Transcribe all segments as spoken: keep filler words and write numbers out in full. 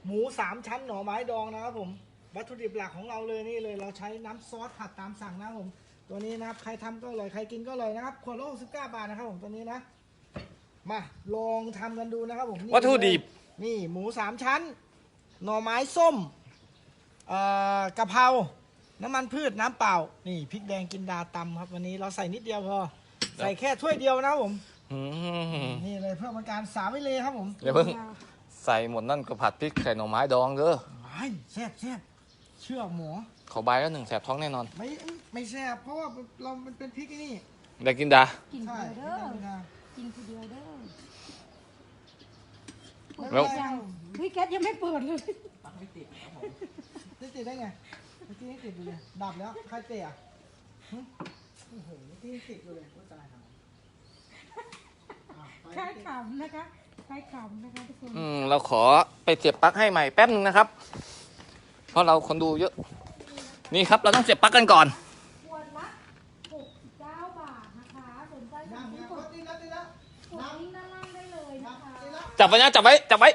หมูสามชั้นหน่อไม้ดองนะครับผมวัตถุดิบหลักของเราเลยนี่เลยเราใช้น้ำซอสผัดตามสั่งนะครับผมตัวนี้นะครับใครทำก็อร่อยใครกินก็อร่อยนะครับขวดละหกสิบเก้าบาทนะครับผมตัวนี้นะมาลองทำกันดูนะครับผมวัตถุดิบนี่หมูสามชั้นหน่อไม้ส้มเอ่อกะเพราน้ำมันพืชน้ำเปล่านี่พริกแดงกินดาตำครับวันนี้เราใส่นิดเดียวพอใส่แค่ถ้วยเดียวนะครับผมนี่เลยเพื่อเป็นการสาวิเลครับผมเดี๋ยวเพิ่งใส่หมดนั่นก็ผัดพริกใส่หน่อไม้ดองเด้อไม่แซ่บแซ่บเชื่อหมอขอใบแล้วหนึ่งแสบท้องแน่นอนไม่ไม่แซ่บเพราะว่าเรามันเป็นพริกนี่ได้กินดากินเดียวเด้อกินคนเดียวเด้อแล้ววิแก๊สยังไม่เปิดเลยตักไม่ติดครับผมไม่ติดได้ไงเมื่อกี้ยังติดอยู่เลยดับแล้วใครเตะอ่ะโอ้โหเมื่อกี้ยังติดอยู่เลยว่าตายครับใครขำนะคะใครขำนะคะทุกคนอืมเราขอไปเสียบปลั๊กให้ใหม่แป๊บนึงนะครับเพราะเราคนดูเยอะนี่ครับเราต้องเสียบปลั๊กกันก่อนขวดละหกสิบเก้าบาทนะคะสนใจสั่งซื้อกดลิงก์ด้านล่างได้เลยนะคะจับไว้นะจับไว้จับไว้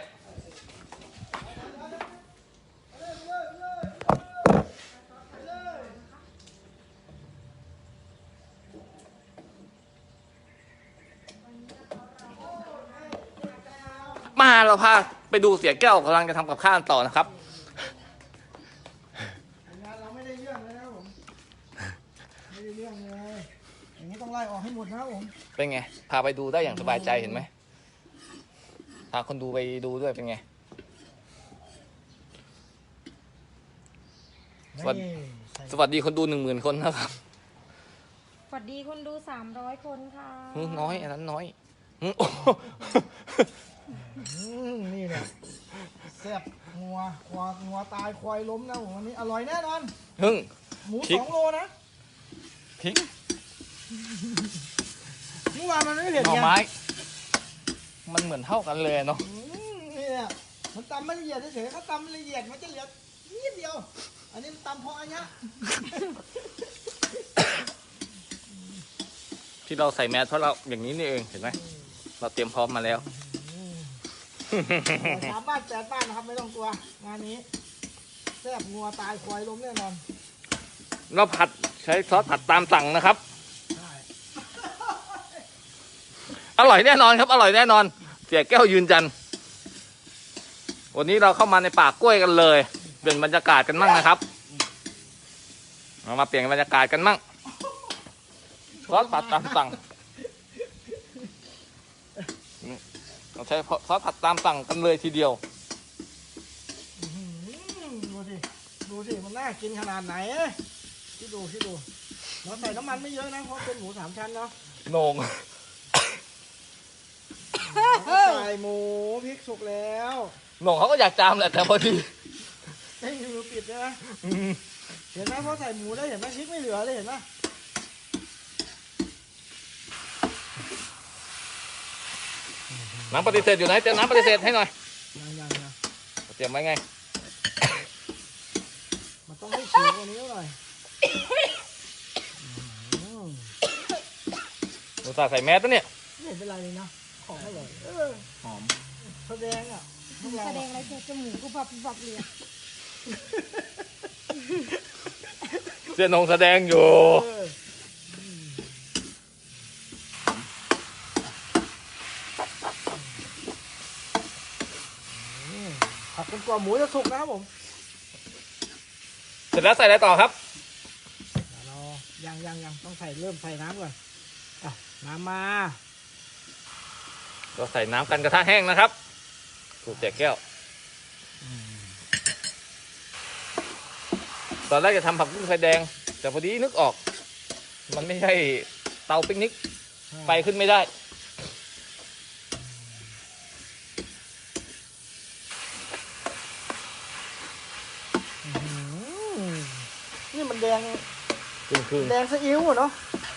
มาเราพาไปดูเสียแก้วกำลังจะทำกับข้าวต่อนะครับงานเราไม่ได้เรื่องเลยนะผมไม่ได้เรื่องเลยอย่างนี้ต้องไล่ออกให้หมดนะครับผมเป็นไงพาไปดูได้อย่างสบายใจเห็นไหมพาคนดูไปดูด้วยเป็นไงสวัสดีสวัสดีคนดูหนึ่งหมื่นคนนะครับสวัสดีคนดูสามร้อยคนค่ะน้อยอันนั้นน้อยนี่เนี่ยแซ่บงัวควายงัวตายควายล้มนะผมวันนี้อร่อยแน่นอนฮึ่งหมูสองโลนะพริกเมื่อวานมันไม่เผ็ดหน่อไม้มันเหมือนเท่ากันเลยเนาะนี่เนี่ยมันตำไม่ละเอียดเฉยๆเขาตำละเอียดมันจะเหลือนิดเดียวอันนี้มันตำพออันนี้ที่เราใส่แมสเพราะเราอย่างนี้นี่เองเห็นไหมเราเตรียมพร้อมมาแล้วสามบ้านแปดบ้านนะครับไม่ต้องกลัวงานนี้แซ่บงัวตายควายล้มแน่นอนเราผัดใช้ซอสผัดตามสั่งนะครับอร่อยแน่นอนครับอร่อยแน่นอนเสียแก้วยืนยันวันนี้เราเข้ามาในป่ากล้วยกันเลยเปลี่ยนบรรยากาศกันมั่งนะครับเรามาเปลี่ยนบรรยากาศกันมั่งซอสผัดตามสั่งเราใช้ซอสผัดตามสั่งกันเลยทีเดียวดูสิดูสิมันน่ากินขนาดไหนที่ดูที่ดูเราใส่น้ำมันไม่เยอะนะเพราะเป็นหมูสามชั้นเนาะโหนงใส่หมูพริกสุกแล้วโหนงเขาก็อยากจามแหละแต่พอดีไม่มีมือปิดนะเห็นไหมพอใส่หมูแล้วเห็นไหมพริกไม่เหลือเลยเห็นไหมน้ำปฏิเสธอยู่ไหนเตรียมน้ำปฏิเสธให้หน่อยยังยังยังเตรียมไว้ไงมันต้องให้ฉีกกว่านี้หน่อยหนูตาใส่แมสตัวเนี่ยไม่เป็นไรเลยนะของอร่อยหอมแสดงอ่ะแสดงอะไรจมูกกูบับบับเลยเสียนงแสดงอยู่ผัดจนกว่าหมูจะสุกนะครับผมเสร็จแล้วใส่อะไรต่อครับเรายังยังยังต้องใส่เริ่มใส่น้ำก่อนอ่ะน้ำมาเราใส่น้ำกันกระทะแห้งนะครับสูตรแจกแก้วตอนแรกจะทำผักบุ้งไฟแดงแต่พอดีนึกออกมันไม่ใช่เตาปิกนิกไฟขึ้นไม่ได้นี่มันแดงคือแดงซีอิ๊วเนาะ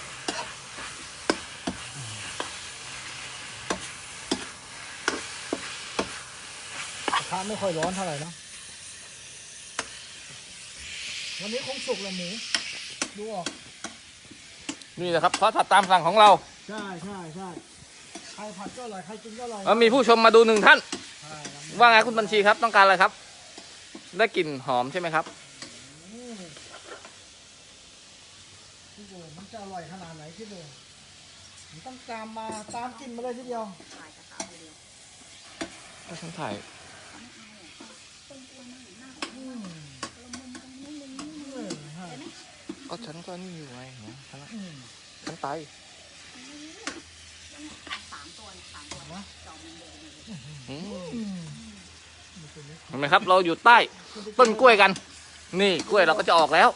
กระทะไม่ค่อยร้อนเท่าไหร่นะวันนี้คงสุกแล้วหมูดูออกนี่นะครับซอสผัดตามสั่งของเราใช่ใช่ใช่ใครผัดก็อร่อยใครกินก็อร่อยแล้วมีผู้ชมมาดูหนึ่งท่านว่าไงคุณบัญชีครับต้องการอะไรครับได้กลิ่นหอมใช่ไหมครับอืมพี่โบมันจะอร่อยขนาดไหนพี่โบมันต้องตามมาตามกลินมาเลยทีเดียวก็ฉันถ่ายอืมเออฮะก็ฉันก็นี่อยู่ไงเห็นไหมฉันอืมฉันไปนะอืมอืมเห็นไหมครับ เราอยู่ใต้ต้นกล้วยกัน นี่กล้วยเราก็จะออกแล้ว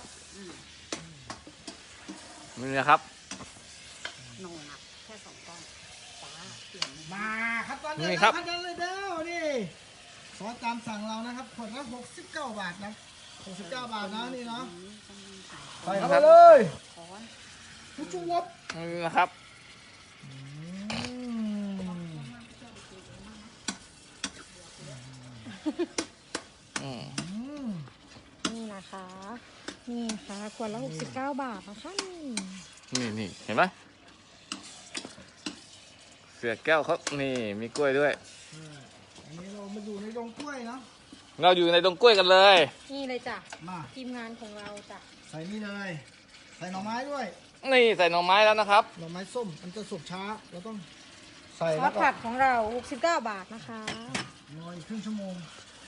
นี่นะครับโนนะแค่สองก้อนจ้าเปลี่ยนมาครับตอนนี้นี่นะคครัรับ บเลยเด้อนี่ซอสตามสั่งเรานะครับขวดละหกสิบเก้าบาทนะหกสิบเก้าบาทนะนี่เนาะใส่เข้าไปเลยทุกชุบวับนี่นะครับอืมอืมอืมนี่นะคะ นี่ค่ะขวดละหกสิบเก้าบาทนะคะนี่นี่นี่เห็นไหมเสือแก้วเขานี่มีกล้วยด้วยเอออันนี้เรามาอยู่ในดงกล้วยเนาะเราอยู่ในตรงกล้วยกันเลยนี่เลยจ้ะมาทีมงานของเราจ้ะใส่นี่เลย ใส่หน่อไม้ด้วยนี่ใส่หน่อไม้แล้วนะครับหน่อไม้ส้มมันจะสุกช้าเราต้องใส่ซอแล้สวก็ผัดของเราหกสิบเก้าบาทนะคะรออีกครึ่งชั่วโมง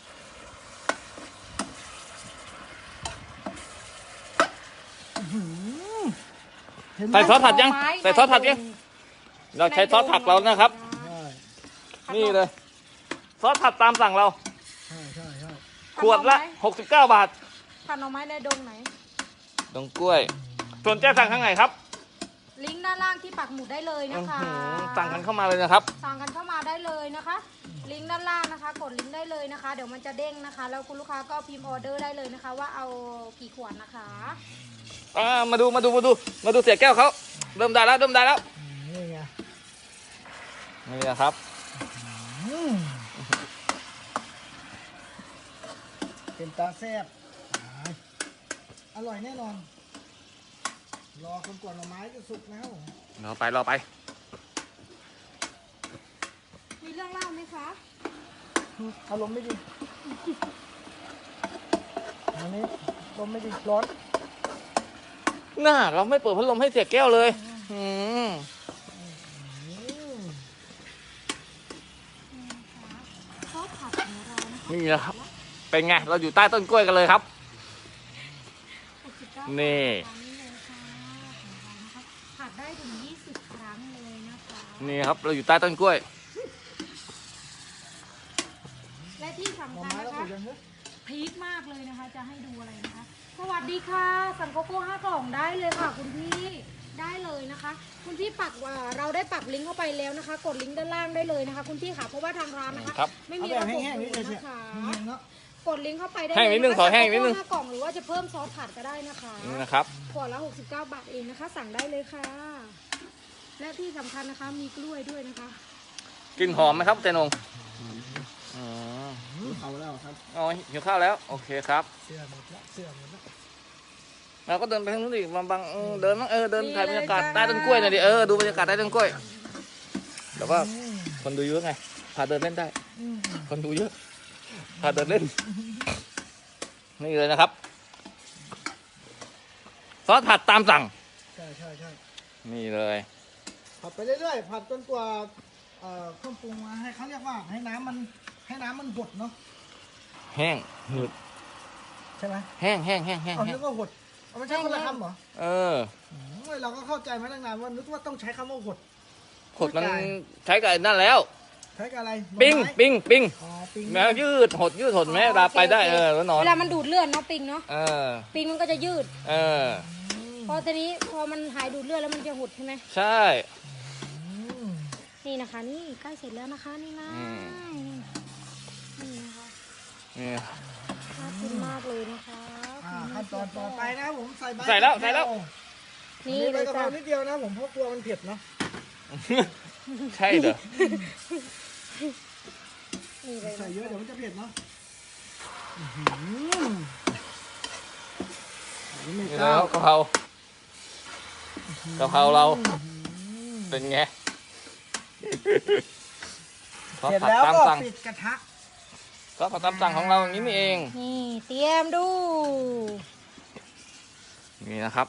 อื้อหือเห็นไหมใส่ซอสผัดยังใส่ซอสผัดยังเราใช้ซอสผัดเรานะครับใช่นี่เลย ซอสผัดตามสั่งเราใช่ใช่ใช่ขวดละหกสิบเก้าบาทผัดหน่อไม้ในดงไหนตรงกล้วยสนใจสั่งข้างไหนครับลิงก์ด้านล่างที่ปักหมุดได้เลยนะอื้อคะหือสั่งกันเข้ามาเลยนะครับสั่งกันเข้ามาได้เลยนะคะ ลิงก์ด้านล่างนะคะ กดลิงก์ได้เลยนะคะ เดี๋ยวมันจะเด้งนะคะ แล้วคุณลูกค้าก็พิมพ์ออเดอร์ได้เลยนะคะ ว่าเอากี่ขวดนะคะอ่ามาดูมาดูมาดูมาดูเสียแก้วเขาเริ่มได้แล้วเริ่มได้แล้วอืมนี่ไงนี่นะครับอืมเป็นตาแซ่บอร่อยแน่นอน รอคนกวนหน่อไม้จะสุกแล้วรอไปรอไปมีเรื่องเล่าไหมคะอารมณ์ไม่ดีอันนี้ลมณ์ไม่ดีร้อนน่าเราไม่เปิดพัดลมให้เสียแก้วเลยอืมอืมซอสผัดของเรานะคะนี่นะครับ เป็นไงเราอยู่ใต้ต้นกล้วยกันเลยครับหกสิบเก้านี่บาทเลยค่ะของเรานะคะผัดได้ถึงยี่สิบครั้งเลยนะคะนี่ครับเราอยู่ใต้ต้นกล้วยและที่หน่อสำคัญไม้นะเราคะสุกยังเนอะพีคมากเลยนะคะ จะให้ดูอะไรนะคะ สวัสดีค่ะสั่งโกโก้ห้ากล่องได้เลยค่ะ คุณพี่ได้เลยนะคะ คุณพี่ปักว่าเราได้ปักลิงก์เข้าไปแล้วนะคะ กดลิงก์ด้านล่างได้เลยนะคะ คุณพี่ค่ะเพราะว่าทางร้านนะคะครับไม่เอามีแบบระบบแห้งๆดูนี่ดเฉยนะคะๆแห้งๆเนาะกดลิงก์เข้าไปได้แห้งนิดนึงเลยะคะขอแห้งนิดนึงโกโก้ห้ากล่องหรือว่าจะเพิ่มซอสผัดก็ได้นะคะนี่นะครับขวดละหกสิบเก้าบาทเองนะคะ สั่งได้เลยค่ะ และที่สำคัญนะคะมีกล้วยด้วยนะคะกลินหอมไหมครับเจนงอืมเขาแล้วครับอ๋อหิวข้าวแล้วโอเคครับเสื้อหมดละเสื้อหมดละเราก็เดินไปทางนู้นอีกบางบางเออเดินบ้างเออเดินนี่ถ่ายบรรยากาศเลยจ้าใต้ต้นกล้วยหน่อยดิเออดูบรรยากาศใต้ต้นกล้วยแต่ว่าอืมคนดูเยอะไงพาเดินเล่นได้อืมคนดูเยอะพาเดินเล่นนี่เลยนะครับซอสผัดตามสั่งใช่ใช่ใช่นี่เลยผัดไปเรื่อยๆผัดจนกว่าเอ่อเครื่องปรุงมาให้เขาเรียกว่าให้น้ำมันให้น้ำมันหดเนาะแห้งหืดใช่ไหมแห้งแห้งแห้งแห้งเอาแห้นึงกว่าหดเอาไม่ใช่คนละคำเหรอเอออืมเราก็เข้าใจมาตั้งนานว่านึกว่าต้องใช้คำว่าหดขดมันใช้กับไอ้นั่นแล้วใช้กับอะไรหน่อปิ้งไม้ปิ้งปิ้งอ๋อปิ้งแมวยืดหดยืดหดแม่เวลาไปได้เออแล้วนอนเวลามันดูดเลือดเนาะปิงเนาะเออปิงมันก็จะยืดเอออืมพอทีนี้พอมันหายดูดเลือดแล้วมันจะหดใช่ไหมใช่อืมนี่นะคะ นี่ใกล้เสร็จแล้วนะคะนี่นะอืมนี่นะคะนี่น่ากินมากเลยนะคะอ่าขั้นตอนต่อไปนะผมใส่ใบใส่แล้วใส่แล้วนี่นี่เลใบยกะเพจ้ะรานิดเดียวนะผมเพราะกลัวมันเผ็ดเนาะใช่เหรอนี่เลยใส่เยอะเดี๋ยวมันจะเผ็ดเนาะอื้อหืออันนี้ไม่นี่กล้าแล้วกะเพรากะเพราเราเป็นไงซอสเสร็จผัดแล้วตามก็สั่งปิดกระทะซซอสผัดตามสั่งของเราอย่างนี้นี่เองนี่เตรียมดูนี่นะครับ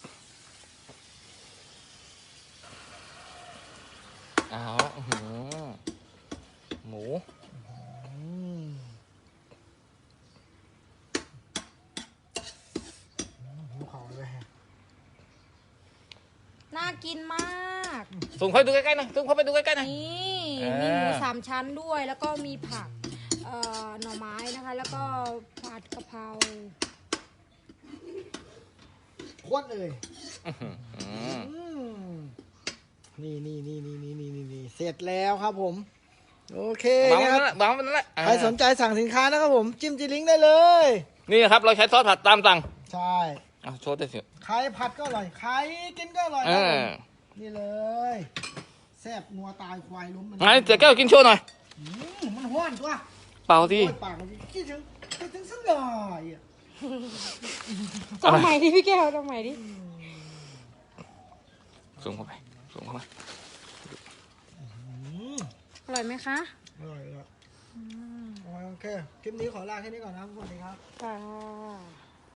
เอาละอื้อหือหมูอืมหิวเขาเลยฮะน่ากินมากส่งเข้าไปดูใกล้ๆหน่อยส่งเข้าไปดูใกล้ๆหน่อยนี่เออมีหมูสามชั้นด้วย แล้วก็มีผักเอ่อหน่อไม้นะคะ แล้วก็ผัดกะเพราโคตรเลยอื้อหืออืมนี่นี่นี่นี่นี่นี่นี่นี่เสร็จแล้วครับผม โอเควางไว้นะคนั่นแหรับละวางไว้นั่นแหละใครสนใจสั่งสินค้านะครับผม จิ้มจีลิงก์ได้เลยนี่ครับเราใช้ซอสผัดตามสั่งใช่เอาโชว์ได้สิใครผัดก็อร่อย ใครกินก็อร่อยเอครับผอมนี่เลยแซ่บนัวตายควายล้มมันไงเจ๊แก้วกินโชว์หน่อยอืมมันห้อนตัวเปล่าสิโอ้ยปากมันคิดถึงคิดถึงสักหน่อยอ่ะจำใหม่ดิพี่แก้วจำใหม่ดิส่งเข้าไปส่งเข้าไปอืมอร่อยไหมคะอร่อยอ่ะโอเค คลิปนี้ขอลาแค่นี้ก่อนนะครับสวัสดีครับค่ะ